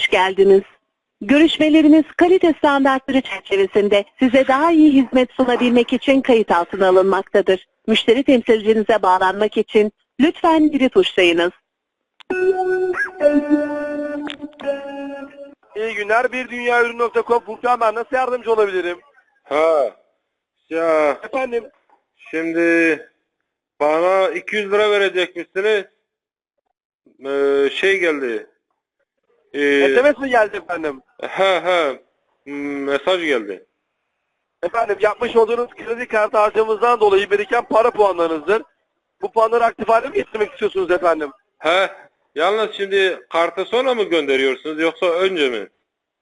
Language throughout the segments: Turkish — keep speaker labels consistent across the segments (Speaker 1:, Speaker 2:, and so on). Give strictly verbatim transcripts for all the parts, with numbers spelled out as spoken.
Speaker 1: hoş geldiniz. Görüşmeleriniz kalite standartları çerçevesinde size daha iyi hizmet sunabilmek için kayıt altına alınmaktadır. Müşteri temsilcinize bağlanmak için lütfen biri tuşlayınız.
Speaker 2: İyi günler. Bir dünya ürün nokta com. Furkan, ben nasıl yardımcı olabilirim?
Speaker 3: Ha, ya
Speaker 2: Efendim?
Speaker 3: şimdi bana iki yüz lira verecekmişsiniz. Ee, şey geldi. Ee,
Speaker 2: S M S mi geldi efendim?
Speaker 3: he he hmm, mesaj geldi.
Speaker 2: Efendim, yapmış olduğunuz kredi kartı harcamamızdan dolayı biriken para puanlarınızdır. Bu puanları aktif hale mi getirmek istiyorsunuz efendim?
Speaker 3: He, yalnız şimdi kartı sonra mı gönderiyorsunuz yoksa önce mi?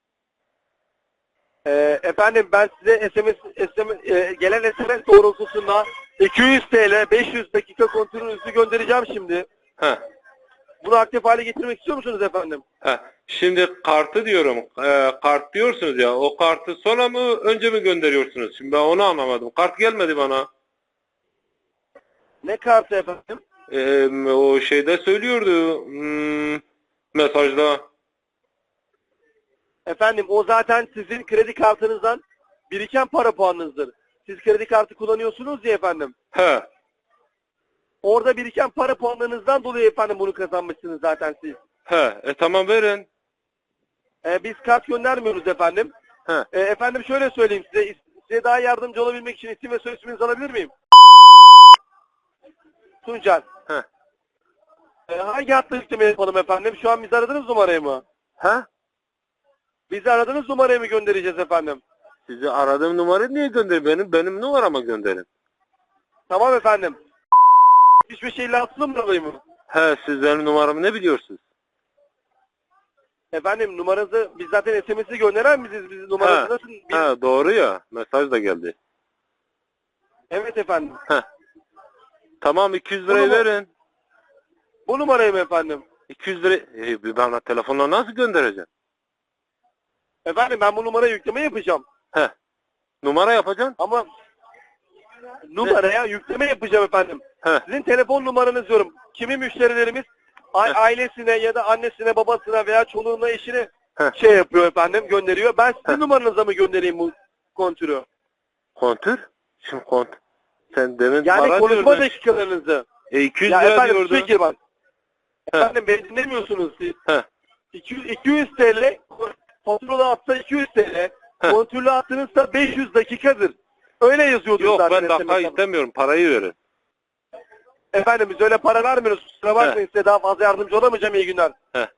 Speaker 2: Ee, efendim, ben size S M S, S M S e, gelen S M S doğrultusunda iki yüz TL beş yüz dakika kontrolünüzü göndereceğim şimdi.
Speaker 3: He.
Speaker 2: Bunu aktif hale getirmek istiyor musunuz efendim?
Speaker 3: He. Şimdi kartı diyorum. E, kart diyorsunuz ya. O kartı sonra mı önce mi gönderiyorsunuz? Şimdi ben onu anlamadım. Kart gelmedi bana.
Speaker 2: Ne kartı efendim?
Speaker 3: E, o şeyde söylüyordu. Hmm, mesajda.
Speaker 2: Efendim, o zaten sizin kredi kartınızdan biriken para puanınızdır. Siz kredi kartı kullanıyorsunuz ya efendim.
Speaker 3: He.
Speaker 2: Orada biriken para puanlarınızdan dolayı efendim bunu kazanmışsınız zaten siz.
Speaker 3: He. E tamam verin.
Speaker 2: Ee, biz kart göndermiyoruz efendim.
Speaker 3: He.
Speaker 2: Ee, efendim şöyle söyleyeyim size. Size daha yardımcı olabilmek için isim ve soy isminizi alabilir miyim? Tuncer.
Speaker 3: He.
Speaker 2: Ee, hangi hatta yükleme yapalım efendim? Şu an bizi aradığınız numarayı mı?
Speaker 3: He?
Speaker 2: Bizi aradığınız numarayı mı göndereceğiz efendim?
Speaker 3: Sizi aradığım numarayı niye gönderin? Benim benim numarama gönderin.
Speaker 2: Tamam efendim. Hiçbir şeyle atılım mı alayım mı?
Speaker 3: He, siz benim numaramı ne biliyorsunuz?
Speaker 2: Efendim, numaranızı biz zaten S M S'i gönderen biziz. Biz numaranızı
Speaker 3: He.
Speaker 2: nasıl? Biz...
Speaker 3: He, doğru ya. Mesaj da geldi.
Speaker 2: Evet efendim.
Speaker 3: He. Tamam, iki yüz lirayı
Speaker 2: Bu numara-
Speaker 3: verin.
Speaker 2: Bu numarayı mı efendim?
Speaker 3: iki yüz lira e, bana telefonla nasıl göndereceğim?
Speaker 2: Efendim, ben bu numaraya yükleme yapacağım.
Speaker 3: He. Numara yapacaksın?
Speaker 2: Ama numaraya yükleme yapacağım efendim.
Speaker 3: He.
Speaker 2: Sizin telefon numaranızı diyorum. Kimi müşterilerimiz a-
Speaker 3: Heh.
Speaker 2: ailesine ya da annesine, babasına veya çoluğuna, eşine
Speaker 3: Heh.
Speaker 2: şey yapıyor efendim, gönderiyor. Ben sizin
Speaker 3: Heh.
Speaker 2: numaranıza mı göndereyim bu kontürü?
Speaker 3: Kontür? Şimdi kont. Sen demin
Speaker 2: Yani
Speaker 3: para
Speaker 2: konuşma
Speaker 3: diyordun.
Speaker 2: dakikalarınızı.
Speaker 3: E iki yüz
Speaker 2: Ya
Speaker 3: lira
Speaker 2: efendim,
Speaker 3: diyordun.
Speaker 2: peki bak.
Speaker 3: Heh.
Speaker 2: Efendim, beni dinlemiyorsunuz siz.
Speaker 3: He.
Speaker 2: iki yüz, iki yüz TL, faturalı atsa iki yüz TL,
Speaker 3: Heh.
Speaker 2: kontürlü attığınızda beş yüz dakikadır. Öyle yazıyordu
Speaker 3: Yok,
Speaker 2: zaten.
Speaker 3: ben dakika
Speaker 2: S M S'de.
Speaker 3: istemiyorum. Parayı verin.
Speaker 2: Efendim, biz öyle para vermiyoruz. Kusura bakmayın, size daha fazla yardımcı olamayacağım. İyi günler.
Speaker 3: Heh.